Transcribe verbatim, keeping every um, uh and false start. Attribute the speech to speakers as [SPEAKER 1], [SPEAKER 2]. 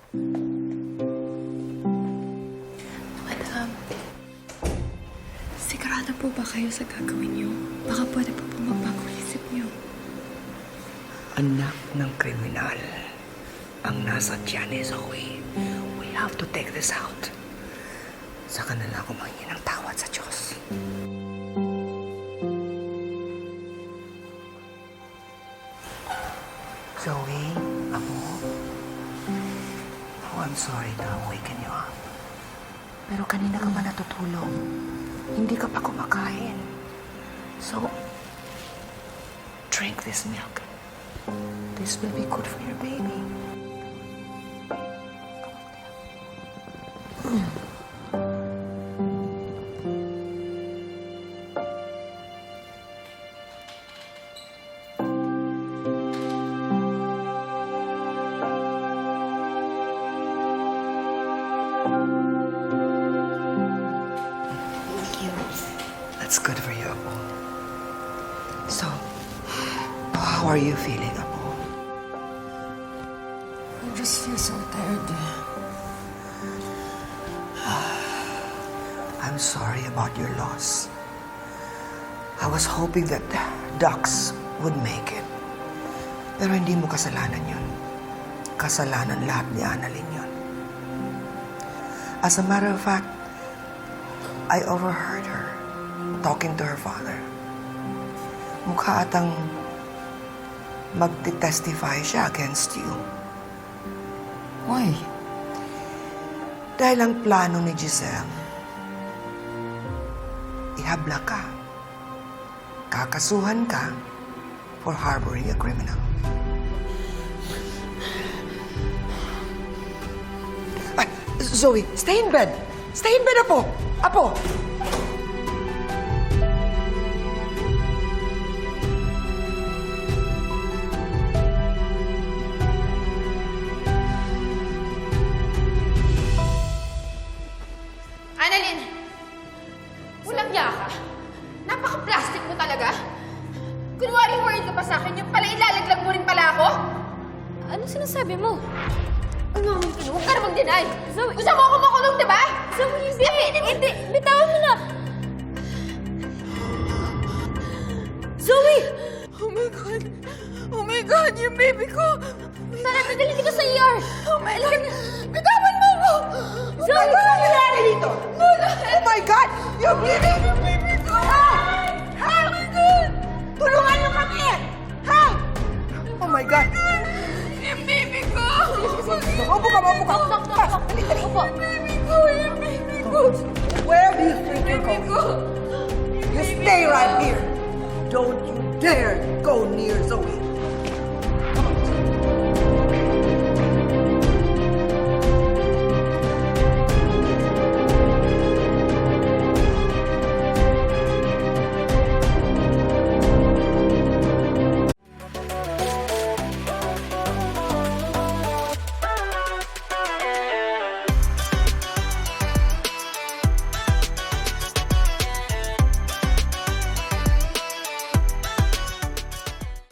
[SPEAKER 1] Madam, sigurado po ba kayo sa gagawin niyo? Baka pwede po po magbago isip niyo.
[SPEAKER 2] Anak ng kriminal ang nasa tiyan ni Zoe. We have to take this out. Saka na lang ako mangingin ng tawad sa Diyos. Zoe, Apo. Oh, I'm sorry to awaken you up. Pero kanina ka pa natutulog. Hindi ka pa kumakain. So, drink this milk. This will be good for your baby.
[SPEAKER 1] Thank you.
[SPEAKER 2] That's good for you, Apo. So, how are you feeling, Apo?
[SPEAKER 1] I just feel so tired.
[SPEAKER 2] I'm sorry about your loss. I was hoping that Dax would make it. Pero hindi mo kasalanan yun. Kasalanan lahat ni Annalyn yun. As a matter of fact, I overheard her talking to her father. Mukha atang magte-testify siya against you.
[SPEAKER 1] Why?
[SPEAKER 2] Dahil ang plano ni Giselle, ihabla ka. Kakasuhan ka for harboring a criminal. Ay, Zoe, stay in bed. Stay in bed, Apo. Apo!
[SPEAKER 3] Annalyn! Walang niya ka. Napaka-plastic mo talaga. Kunwari worried ka pa sa akin, yung pala ilalaglag mo rin pala ako?
[SPEAKER 4] Ano sinasabi mo?
[SPEAKER 3] Umamin ka na, huwag ka na mag-deny.
[SPEAKER 4] Zoe-
[SPEAKER 3] Gusto mo ako makulong, diba?
[SPEAKER 4] Zoe, hindi! Hindi! Bitawan mo na! Zoe!
[SPEAKER 3] Oh my God! Oh my God, yung baby ko!
[SPEAKER 4] Tara, dadalhin kita sa E R!
[SPEAKER 3] Oh my God! Bitawan mo ako!
[SPEAKER 4] Zoe!
[SPEAKER 2] Ano nangyari dito? Oh my God! Yung baby!
[SPEAKER 3] Yung baby ko!
[SPEAKER 2] Ha? Ha?
[SPEAKER 3] Oh my God!
[SPEAKER 2] Tulungan niyo kami! Ha? Oh my God!
[SPEAKER 3] Yung baby ko!
[SPEAKER 2] Maupo ka, maupo ka! Ha? Dali, dali!
[SPEAKER 4] Opo.
[SPEAKER 3] Yung baby ko! Yung baby ko!
[SPEAKER 2] Where do you think you're
[SPEAKER 3] Baby
[SPEAKER 2] going?
[SPEAKER 3] ko!
[SPEAKER 2] You stay right here. Don't you dare go near Zoe.